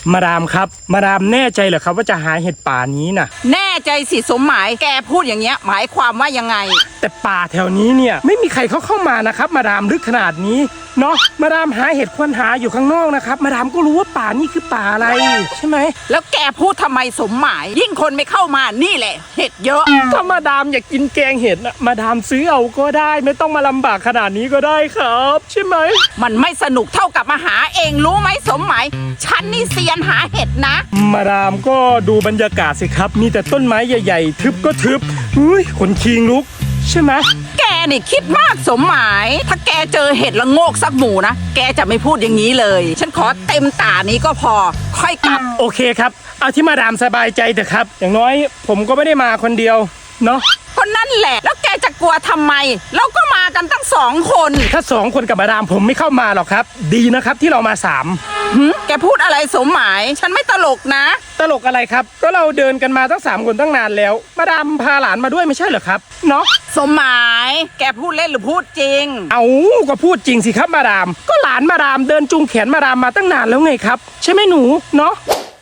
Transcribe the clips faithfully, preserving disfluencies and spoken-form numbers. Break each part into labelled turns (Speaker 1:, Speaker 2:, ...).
Speaker 1: มาดามครับมาดามแน่ใจเหรอครับว่าจะหาเห็ดป่านี้น่ะ
Speaker 2: แน่ใจสิสมหมายแกพูดอย่างเงี้ยหมายความว่ายังไง
Speaker 1: แต่ป่าแถวนี้เนี่ยไม่มีใครเขาเข้ามานะครับมาดามลึกขนาดนี้เนาะมาดามหาเห็ดควรหาอยู่ข้างนอกนะครับมาดามก็รู้ว่าป่านี่คือป่าอะไรใช่ไหม
Speaker 2: แล้วแกพูดทำไมสมหมายยิ่งคนไม่เข้ามานี่แหละเห็ดเยอะ
Speaker 1: ถ้ามาดามอยากกินแกงเห็ดนะมาดามซื้อเอาก็ได้ไม่ต้องมาลำบากขนาดนี้ก็ได้ครับใช่ไหม
Speaker 2: มันไม่สนุกเท่ากับมาหาเองรู้ไหมสมหมายฉันนี่เซียนหาเห็ดนะ
Speaker 1: มาดามก็ดูบรรยากาศสิครับมีแต่ต้นไม้ใหญ่ๆทึบก็ทึบอุ้ยขนคิงลุกใช่ไหม
Speaker 2: แกนี่คิดมากสมหมายถ้าแกเจอเห็ดละโงกสักหมู่นะแกจะไม่พูดอย่างนี้เลยฉันขอเต็มตานี้ก็พอค่อยกลับ
Speaker 1: โอเคครับเอาที่มาดามสบายใจเถอะครับอย่างน้อยผมก็ไม่ได้มาคนเดียวเนาะ
Speaker 2: คนนั่นแหละแล้วแกจะกลัวทำไมเราก็มากันตั้งสองคน
Speaker 1: ถ้าสองคนกับมาดามผมไม่เข้ามาหรอกครับดีนะครับที่เรามาสาม
Speaker 2: แกพูดอะไรสมหมายฉันไม่ตลกนะ
Speaker 1: ตลกอะไรครับก็เราเดินกันมาตั้งสามคนตั้งนานแล้วมาดามพาหลานมาด้วยไม่ใช่เหรอครับเนาะ
Speaker 2: สมหมายแกพูดเล่นหรือพูดจริง
Speaker 1: เอาก็พูดจริงสิครับมาดามก็หลานมาดามเดินจูงแขนมาดามมาตั้งนานแล้วไงครับใช่ไหมหนูเนาะ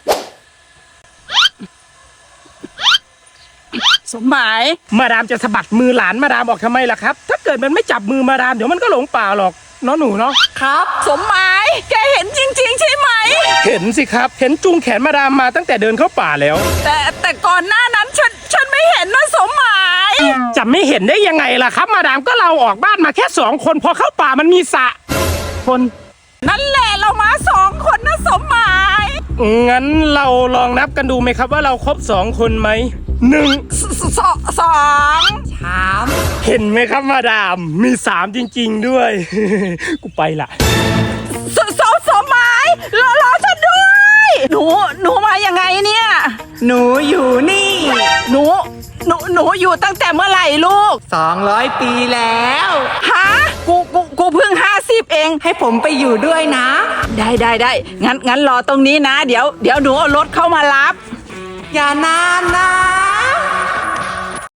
Speaker 2: สมหมาย
Speaker 1: มาดามจะสะบัดมือหลานมาดามออกทำไมล่ะครับถ้าเกิดมันไม่จับมือมาดามเดี๋ยวมันก็หลงป่าหรอกเนาะหนูเนาะ
Speaker 2: ครับสมหมายแกเห็นจริงๆใช่ไหม
Speaker 1: เห็นสิครับเห็นจูงแขนมาดามมาตั้งแต่เดินเข้าป่าแล้ว
Speaker 2: แต่แต่ก่อนหน้านั้นฉันฉันไม่เห็นนะสมหมาย
Speaker 1: จะไม่เห็นได้ยังไงล่ะครับมาดามก็เราออกบ้านมาแค่สองคนพอเข้าป่ามันมีสระคน
Speaker 2: นั่นแหละเรามาสองคนนะสมหมาย
Speaker 1: งั้นเราลองนับกันดูไหมครับว่าเราครบสองคนไหมหนึ่ง
Speaker 2: สองสองสาม
Speaker 1: เห็นไหมครับมาดามมีสามจริงๆด้วยกูไปละ
Speaker 2: สสสมหมายรอรอฉันด้วยหนูหนูมายังไงเนี่ย
Speaker 3: หนูอยู่นี่
Speaker 2: หนูหนูหนูอยู่ตั้งแต่เมื่อไหร่ลูก
Speaker 3: สองร้อยปีแล้ว
Speaker 2: ฮะกูกูกูเพิ่งห้าสิบเอง
Speaker 3: ให้ผมไปอยู่ด้วยนะ
Speaker 2: ได้ได้ได้งั้นงั้นรอตรงนี้นะเดี๋ยวเดี๋ยวหนูเอารถเข้ามารับ
Speaker 3: อย่านานนะ